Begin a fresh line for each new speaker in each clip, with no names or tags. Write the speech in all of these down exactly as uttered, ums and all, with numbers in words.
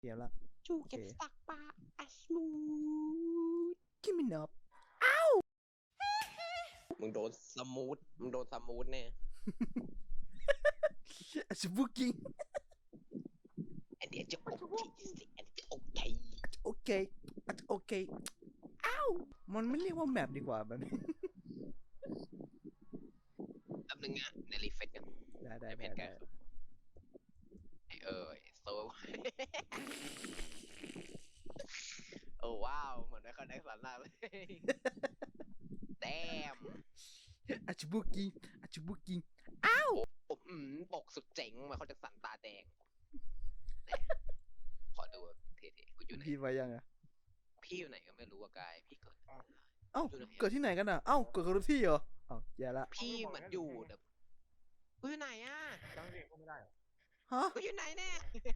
เดี๋ยวละ
จูเก็บสักปลาอัสมูท
กิมินอบ
มึงโดนสมูทมึงโดนสมูทแน่
อัชบุกิ
อันเดียวจะโอเคสิอันเดียวโอเค
โอเคโอเคอ้าวมันไม่เรียกว่าแมปดีกว่าแบบนี้
แป๊บนึงนะในรีเฟซกัน
ได้ได้
เพ
ได้
จ
ได้
กันเออโซโอ้ว้าวเหมือนไม่เข้าได้สาระเลยแดม
อัชบุกิอัชบุกิ
ผมอืมปกสุดเจ๋งมาเขาจะสันตาแดงขอดูเท่ๆกูอยู่ไหน
พี่ไว้ยังอ่ะ
พี่อยู่ไหนก็ไม่รู้ว่ากายพี่เกิด
เอ้าเกิดที่ไหนกันอ่ะเอ้าเกิดกับที่เหรอเอ้าแย่ละ
พี่เหมือนอยู่แต่กูอยู่ไหนอ่ะ
จังเด็กก็ไม่ได้หรอ
ฮะ
กูอยู่ไหนแน่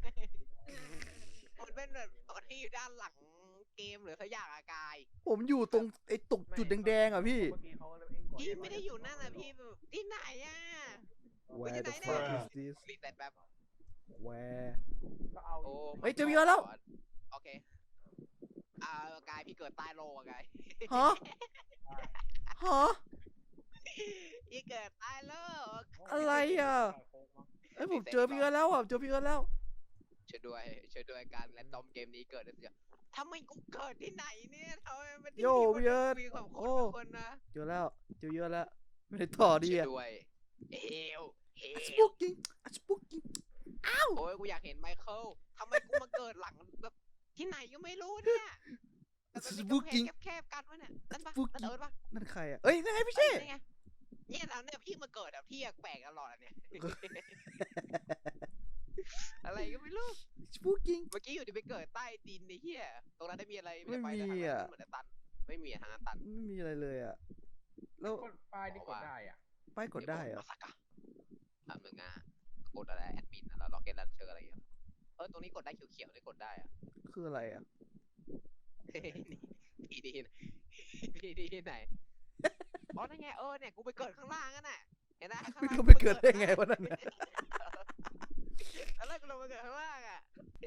มันเป็นแบบตอนที่อยู่ด้านหลังเกมหรือสักอย่างอะกาย
ผมอยู่ตรงไอ้ตกจุดแดงๆอ่ะพี่
เมื่อกี้เขาเองก่อน
พี่ไม่ได้อยู่นั่นนะพี่แบบที่ไหนอ่ะ
Where the fuck is this
รีแต่แบบ
Where
ก็เอา
โอ้
เฮ้ยเจอพี่แล้ว
โอเคอ่ากายพี่เกิดใต้โลอะกาย
ฮะฮะ
พี่เกิดใต้โล
อะไรอ่ะเอ้ยผมเจอพี่แล้วอ่ะเจอพี่แล้ว
ช่วยด้วยช่วยด้วยการแรนดอมเกมนี้เกิดอะไรทำไมกูเกิดที่ไหนเนี่ยทำไมมัน
โย่พี่เอิร์ธ
มีความค
โอ้
นคนนะ
เจอแล้วเจอเยอะแล้วไม่ได้ต่อดี
ช่วย
อ่ะ
ด้วยเฮลเฮ
อัช
ล
บุกิอัชบุกิ
โอ้ยกูอยากเห็นไมเคิลทำไมกูมาเกิดหลังแบบที่ไหนก็ไม่รู้เนี่ย
อั
แต่
ช
มัน
บุ
เป็น
กิ
กำแพงแคบๆกันวะเนี่ยนั่นปะ
บุกิ
นั่นเอิร์ธปะ
นั่นใครอ่ะเอ้ยนั่นไงพี่เช่
นี่ไงเนี่ยแล้วเนี่ยพี่มาเกิดแบบพี่แปลกตลอดอะเนี่ย อะไรก็ไม่รู้
อัชบุกิ
เมื่อกี้อยู่ดีไปเกิดใต้ดินในเฮียตรงนั้นได้มีอะไร
ไม่
ป
มี
ทางนั้น
อะ
เหมือนจะตันไม่มีอะทางนั้นตัน
ไม่มีอะไรเลยอ่ะแล้ว
กดป้ายที่กดได้อ่ะ
ป้ายกดได้เหรอ
มาสักอะทำหนึ่งอ่ะกดอะไรแอดมินอะแล้วล็อกเก็ตลันเชอร์อะไรอย่างเงี้ยเออตรงนี้กดได้เขียวๆเลยกดได้อ่ะ
คืออะไรอ่ะ
พี่ดีนะพี่ดีไหนอ๋อนั่นไงเออเนี่ยกูไปเกิดข้างล่างนั่นน่ะเห็นไหมข้าง
ไม่
ล่าง
รู้ไปเกิดได้ไงวะนั่นน่ะ
แล้วกูลงมาเกิดข้างล่างอ่ะ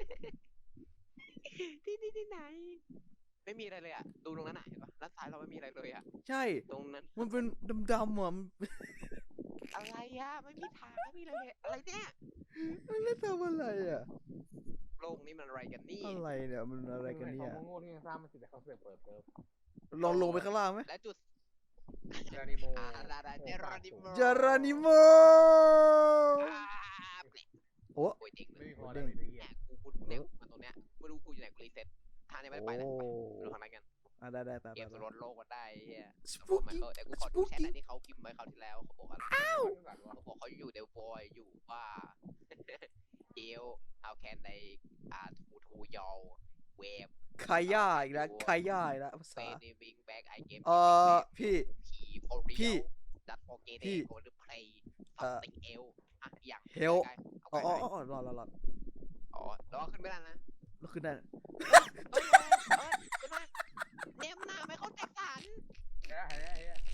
ที่นี่ที่ไหน ไม่มีอะไรเลยอ่ะดูตรงนั้นน่ะเห็นปะด้านซ้ายเราไม่มีอะไรเลยอ่ะ
ใช่
ตรงนั้น
มันเป็นดำๆอ่ะมัน
อะไรอ่ะไม่มีทางไม่มีอะไรเลยอะไรเนี่ย
มันไม่ทำอะไรอ่ะ
โลกนี้มันอะไรกันนี่
อะไรเนี่ยมันอะไรกันเนี่ย
เขาโง่ที่ยังสร้างมันสิแต่เขาเสือกเปิดเซิร์ฟ
ลองลงไปข้างล่างไหม
และจุด
เจอนิโม
อ่าดาดาเจรานิโม
จารานิโม
อ่าเปล่
โอ้
โอ้ยเด้งเล
ไม่
ย
มีพอได้เลยเหี้ย
เนี่ยกูกูเนี่ยมาตรงเนี้ยไม่รู้กูอยู่ไหนกูรีเซ็ตทางนี้ไม่ได้ไปเลยไปดูทางนั้นกัน
อ่ะได้ได้ไป
เก
ไป
ม
ไป
สลดโลกกันได้เฮีย
ส
เขาบ
ปู
อกมา
กิ้ง
เขาแต่กูข
ส
อ
ปู
ดูแชท
กิ้ง
อันที่เขาพิมพ์ไว้คราวที่แล้วเขาบอกอะไรเขาบอกเขาอยู่เดลบอยอยู่ว่า เอล how can they อ่าทูทูยอลเวฟ
คาย่าอีกแล้วคาย่าอีกแล้วภา
เฟ
ษา
นิบิงแบ็กไอเกม
เออพี่
ผีโฟรี
พี่
ดัตโอเกเด
พี่
โกลเพลย์
เอ่อ
ติงเอลอ่ะอย่าง
Hell
ใกล้ๆ
อ๋อ
เอา
อ๋อ
ใกล้
อ๋อรอรอรอ
ๆอ๋อแล้วขึ้นไม่ได้นะ
แล้วขึ้นได้
เอ้ยเอ้ยขึ้นมาเนมหน้าไม่เขาแตกต่าง
เฮ้ยเฮ้ยเฮ้ย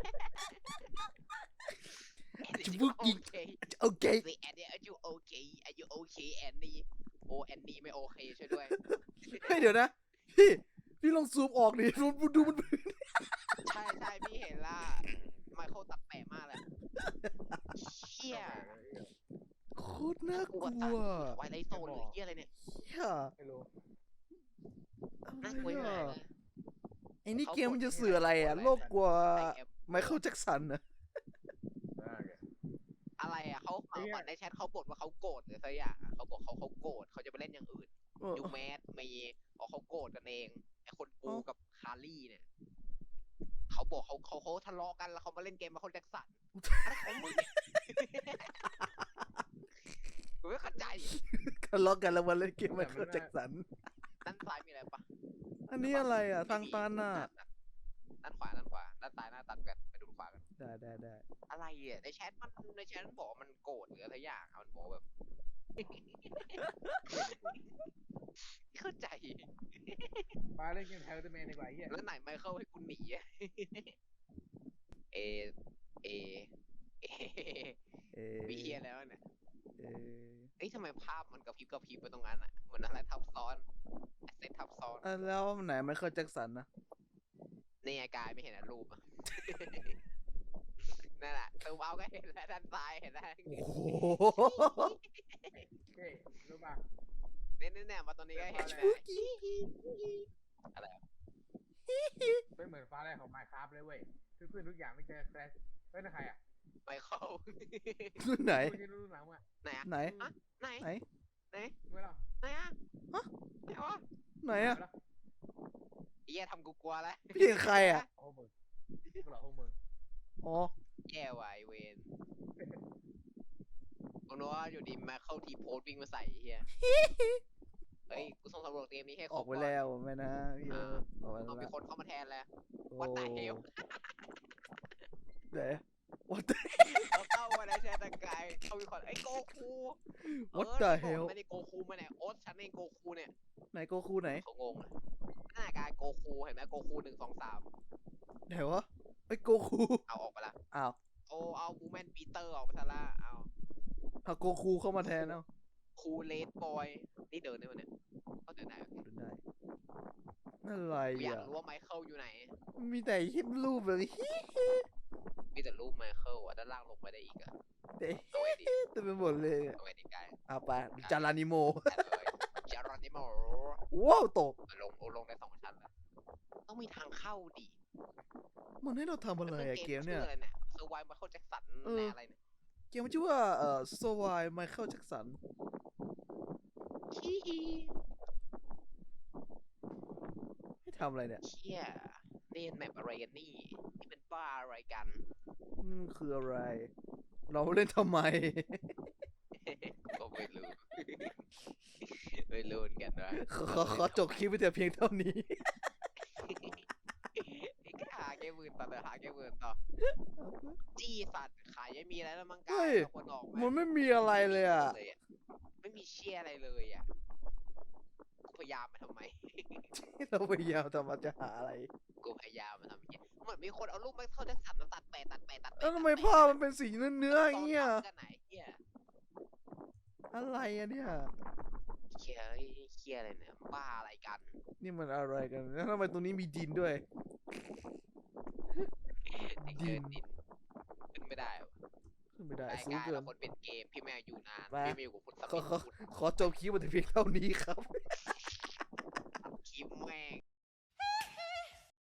จะบุกกิ้ง โอเค
สิแอนนี่ are you okay are you okay แอนนี่โอแอนนี่ไม่โอเคช่วยด้วย
เฮ้ยเดี๋ยวนะ พี่ พี่ลองซูมออกดิดูดูมัน
ใช่ใช่พี่เห็นละไมเคิลตัดแปะมากเลยเชี่ย
โคตรน่ากลัว
ไวไลโซนหรือเชี่ยอะไรเนี่ย
เหี้ย
ไม่รู้
อะไร
น่ากลัว
อ่ะ
มากเลย
ไอ้นี่เกมมันจะสื่ออะไรอ่ะ โลกกลัวไมเคิลแจ็คสันนะ
อะไรอ่ะเขาเขาก่อนในแชทเขาบ่นว่าเขาโกรธหรือสักอย่างเขาบอกเขาเขาโกรธเขาจะไปเล่นอย่างอื่น
เออ
ยูแมสมีบอกเขาโกรธกันเองไอคนกูกับคารี่เนี่ยเขาบอกเขาเขาเขาทะเลาะกันแล้วเขามาเล่นเกมมาคนแจ็คสันอะไรของมึงเนี่ยกูไม่เข้าใจ
ทะเลาะกันแล้ววันเล่นเกมไมเคิลแจ็คสัน
ด้านซ้ายมีอะไรปะ
อันนี้อะไรอ่ะ ทางตันอ่ะ
ด้านขวาด้านขวาด้านซ้ายหน้าตันกันไปดูขวากัน
ได้ได้ได้
อะไรอ่ะในแชทมันในแชทมันบอกว่ามันโกรธหรืออะไรอย่างอ่ะมันบอกแบบ เข้าใจ
ป้าเล่นเกมแฮร์รี่แมนดีกว่าเหี้ย
แล้วไหนไมเคิลให้กูหนีอะ เอ เอ เอ
เอ
มีเฮียแล้วเนี่ย
เอ
อ้ยทำไมภาพมันกระพริบกระพริบไปตรงนั้นอ่ะเหมือนอะไรทับซ้อนแอสเซททับซ้อน
อ่ะแล้วไหนไมเคิลแจ็คสันนะ
นี่ไงกายไม่เห็นอะรูปอ่ะ นั่นแหละตูมเอาก็เห็นแล้วด้านซ้ายเห็นแล้ว
โอ้โห
เฮ้ยรู้ป่ะ
เนี่ยเนี่ยเนี่ยมาตรงนี้ก็เห็น
เดี๋
แล้
ยว
ว
พอแล้ว
อะไรอะ
เป็นเหมือนฟ้าแรกของไมค์คราฟเลยเว้ยทุกขึ้นทุกอย่างไม่เจอแครชเฮ้ยนั่นใครอ่ะ
ไปเข้า
รุ่นไหน
รู้ที่รู้หลังอ่ะ
ไหนอะ
ไหน
อะไหน
ไหน
ไหน
เมื่อเรา
ไหนอะ
ฮะ
ไหนวะ
ไหนอะ
ไอ้เหี้ยทำกูกลัวแล้ว
พี่เห็นใครอะ
โอ้มึงพวกเราโอ้มึง
อ๋อ
แย่ว่ะไอ้เวนผมนึกว่าอยู่ดีมาเข้าทีโพสวิ่งมาใส่ไอ้เฮียเฮ้ยกูส่งสำรวจเกมนี้ให้ค
อ
ร
อบ กไป
ก่อน
แล้วไม่นะพี่เออออกไป
เอามี
แล้ว
คนเข้ามาแทนแล้ว
โอ้
What the hell
ไหน What the
เราเข้ามาในแชทกายเขามีคนไอ้โกคู
What
เอ
the
อ
hell
ไม่ได้โกคูมาไหนโอ๊ตฉันเองโกคูเนี่ย
ไหนโกคูไหน
เขางงเลยหน้ากายโกคูเห็นไหมโกคูหนึ่งสองสาม
ไหนวะไอ้ยโกคู
เอาออกไปละ
อ้าว
โอ้เอาบูแมนปีเตอร์ออกไปซะละเอา
เอาโกคูเข้ามาแทนเอา
คูเลดบอยนี่เดินได้ไหมเนี่ยเขาเดินได้โอเค
ดูได้นั่นอะไร
กูอยาก
อ่ะ
รู้ว่าไมเคิลอยู่ไหน
มีแต่ฮิปรูปเลยฮิ
มีแต่รูปไมเคิลอ่ะด้านล่างลงไปได้อีกอ่ะ
แต่
เอาไว้ดี
เต็มไปหมดเลยอะ
เอาไว้ดีกาย
เอาไปจารานิโม
แต่เลยจารอนิโม
ว้าวตก
ลงลงได้สองชั้นแล้วต้องมีทางเข้าดิ
มันให้เราทำอะไรอะเกมเนี่ย
ชื่ออะไรเนี่ยเซอร์ไวน์ไมเคิลแจ็คสัน
เออ
แน่อะไรเนี่ย
เกมมันชื่อว่าเอ่อสวายไมเคิลแจ็คสัน
ขี้
ให้ทำอะไรเนี่ย
เชี่ยเล่นแมปอะไรกันนี่นี่เป็นบ้าอะไรกัน
นี่มันคืออะไร เราเล่นทำไม
ก็ไม่รู้ ไม่รู้เหมือนกันว่า
ขอขอขอจบคลิปไปแต่เพียงเท่านี้
ไอ้ก็หาเกมอื่นต่อเลยหาเกมอื่นต่อจี้สัตว์ขายไม่มีอะไรแล้วมั้งกา
เฮ้
ย
ย
เอาคนออก
มันไม่มีอะไรเลยอ่ะ
ไม่มีเชี่ยอะไรเลยอ่ะกูพยายามมาทำไม
เราพยายามทำมาจะหาอะไร
กูพยายามมาทำอย่างเงี้ยเหมือนมีคนเอารูปไมเคิลแจ็คสันมาตัดแปะตัดแปะตัดแปะ
แล้วทำไมภาพมันเป็นสีเนื้อเนื้อๆอย่างเงี้ย
ตอนทำกันไหนเฮีย
อะไรอะเนี่ย
เฮียเอ้ยเฮียอะไรเนี่ยบ้าอะไรกัน
นี่มันอะไรกัน แล้วทำไมตรงนี้มีดินด้วย
เกินดินขึ้นไม่ได้วะ
ขึ้นไม่ได้
ราย
สูง
การ
เกิ
เรา
น
คนเป็นเกมพี่แม่อยู่นาน
ไป
พี่ไม่อยู่กับคุณส
ขอ
มิธ
ขอขอจบคลิปมาแต่เพียงเท่านี้ครับ